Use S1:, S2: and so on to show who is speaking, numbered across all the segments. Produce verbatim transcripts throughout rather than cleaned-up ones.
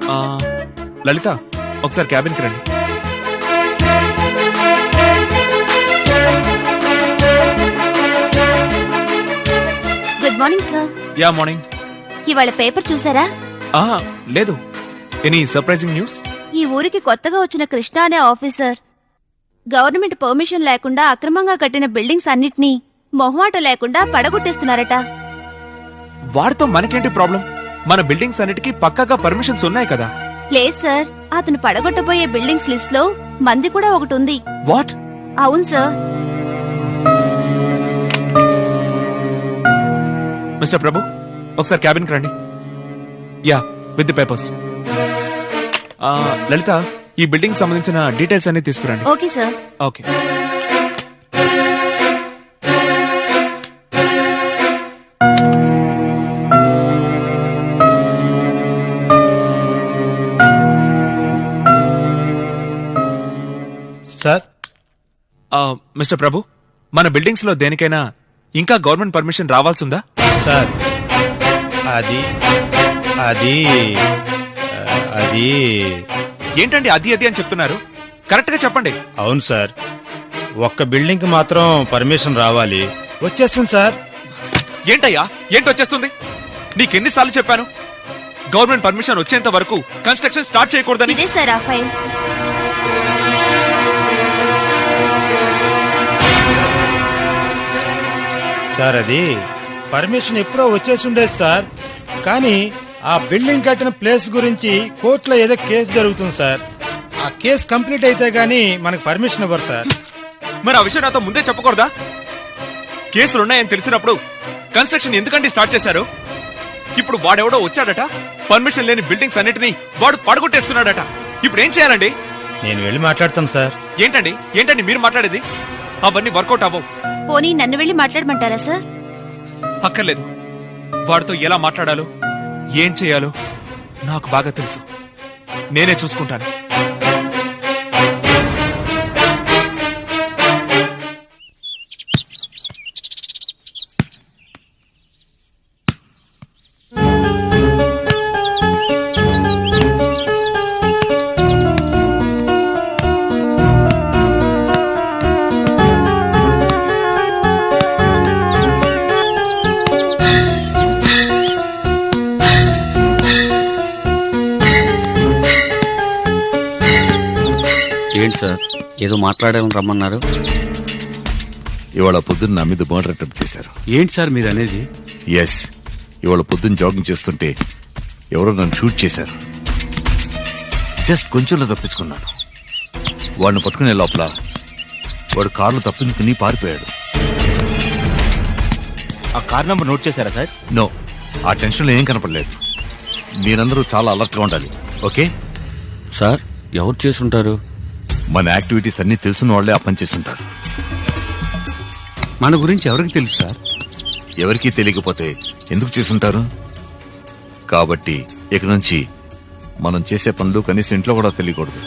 S1: లలిత ఒకసారి క్యాబిన్ కి రండి.
S2: Good morning sir.
S1: Ya morning.
S2: ఇవాళ పేపర్ చూసారా?
S1: ఆహా లేదు. Any surprising news?
S2: ఈ ఊరికి కొత్తగా వచ్చిన కృష్ణ అనే ఆఫీసర్ గవర్నమెంట్ పర్మిషన్ లేకుండా అక్రమంగా కట్టిన బిల్డింగ్స్ అన్నిటినీ మొహమాట లేకుండా పడగొట్టేస్తున్నారట.
S1: వాడితో మనకేంటి ప్రాబ్లం? మన బిల్డింగ్స్ అన్నిటికీ పక్కాగా పర్మిషన్స్ ఉన్నాయి కదా.
S2: లేదు సార్, అతను పడగొట్టబోయే బిల్డింగ్స్ లిస్ట్ లో మంది కూడా ఒకటి ఉంది.
S1: వాట్?
S2: అవును సార్.
S1: మిస్టర్ ప్రభు ఒకసారి క్యాబిన్ కి రండి. Ya with the papers. Lalitha ఈ బిల్డింగ్ సంబంధించిన డీటెయిల్స్ అన్ని తీసుకురండి.
S2: Okay sir.
S1: Okay.
S3: Sir.
S1: Mister Prabhu మన బిల్డింగ్స్ లో దేనికైనా ఇంకా గవర్నమెంట్ పర్మిషన్ రావాల్సిందా?
S3: సార్ అది అది అది
S1: ఏంటండి అది అది అని చెప్తున్నారు? కరెక్ట్ గా చెప్పండి.
S3: అవును సార్, ఒక్క బిల్డింగ్ కి మాత్రం పర్మిషన్ రావాలి. వచ్చేస్తుంది సార్.
S1: ఏంటయ్యా ఏంటి వచ్చేస్తుంది? నీకెన్నిసార్లు చెప్పాను గవర్నమెంట్ పర్మిషన్ వచ్చేంత వరకు కన్స్ట్రక్షన్ స్టార్ట్ చేయకూడదని?
S2: ఇదే సార్ ఆ ఫైల్.
S3: సార్ అది పర్మిషన్ ఎప్పుడో వచ్చేసి ఉండేది సార్, కానీ ఆ బిల్డింగ్ కట్టిన ప్లేస్ గురించి కోర్టులో ఏదో కేసు జరుగుతుంది సార్. ఆ కేసు కంప్లీట్ అయితే గానీ మనకు పర్మిషన్ ఇవ్వరు సార్.
S1: మరి ఆ విషయం నాతో ముందే చెప్పకూడదా? కేసులున్నాయని తెలిసినప్పుడు కన్స్ట్రక్షన్ ఎందుకంటే స్టార్ట్ చేశారు? ఇప్పుడు వాడెవడో వచ్చాడట, పర్మిషన్ లేని బిల్డింగ్స్ అన్నిటినీ వాడు పడగొట్టేస్తున్నాడట. ఇప్పుడు ఏం చేయాలండి?
S3: నేను వెళ్ళి మాట్లాడతాను సార్.
S1: ఏంటండి ఏంటండి మీరు మాట్లాడేది? అవన్నీ వర్కౌట్ అవ్వవు.
S2: పోనీ నన్ను వెళ్ళి మాట్లాడమంటారా సార్?
S1: అక్కర్లేదు. వాడితో ఎలా మాట్లాడాలో ఏం చేయాలో నాకు బాగా తెలుసు. నేనే చూసుకుంటాను.
S4: ఏంటి సార్ ఏదో మాట్లాడాలని రమ్మన్నారు?
S5: ఇవాళ పొద్దున్న నా మీద మర్డర్ అటెంప్ట్ చేశారు.
S4: ఏంటి సార్ మీరు అనేది?
S5: ఎస్, ఇవాళ పొద్దున్న జాగింగ్ చేస్తుంటే ఎవరో నన్ను షూట్ చేశారు. జస్ట్ కొంచెంలో తప్పించుకున్నాను. వాడిని పట్టుకునే లోపల వాడు కారులో తప్పించుకుని పారిపోయాడు.
S3: ఆ కార్ నంబర్ నోట్ చేశారా సార్?
S5: నో, ఆ టెన్షన్లో ఏం కనపడలేదు. మీరందరూ చాలా అలర్ట్ గా ఉండాలి. Okay
S4: sir? ఎవరు చేసుంటారు?
S5: మన యాక్టివిటీస్ అన్ని తెలుసున్న వాళ్లే ఆ పని చేస్తుంటారు.
S4: మన గురించి ఎవరికి తెలుసు సార్?
S5: ఎవరికీ తెలియకపోతే ఎందుకు చేసుంటారు? కాబట్టి ఇక నుంచి మనం చేసే పనులు కనీసం ఇంట్లో కూడా తెలియకూడదు.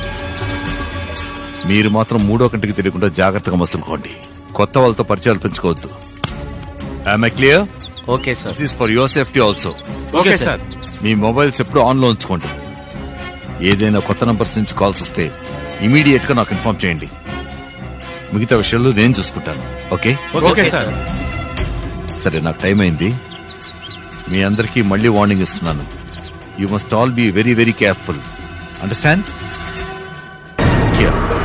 S5: మీరు మాత్రం మూడో కంటికి తెలియకుండా జాగ్రత్తగా మసులుకోండి. కొత్త వాళ్ళతో పరిచయాలు పెంచుకోవద్దు. Am I clear?
S4: Okay sir.
S5: This is for your safety also.
S1: Okay sir.
S5: మీ మొబైల్స్ ఎప్పుడు ఆన్ లో ఉంచుకోండి. ఏదైనా కొత్త నంబర్స్ నుంచి కాల్స్ వస్తే ఇమీడియట్ గా నాకు ఇన్ఫార్మ్ చేయండి. మిగతా విషయాలు నేను చూసుకుంటాను. Okay
S1: okay sir.
S5: సరే, నాకు టైం అయింది. మీ అందరికీ మళ్ళీ వార్నింగ్ ఇస్తున్నాను. You must all be very very careful. Understand?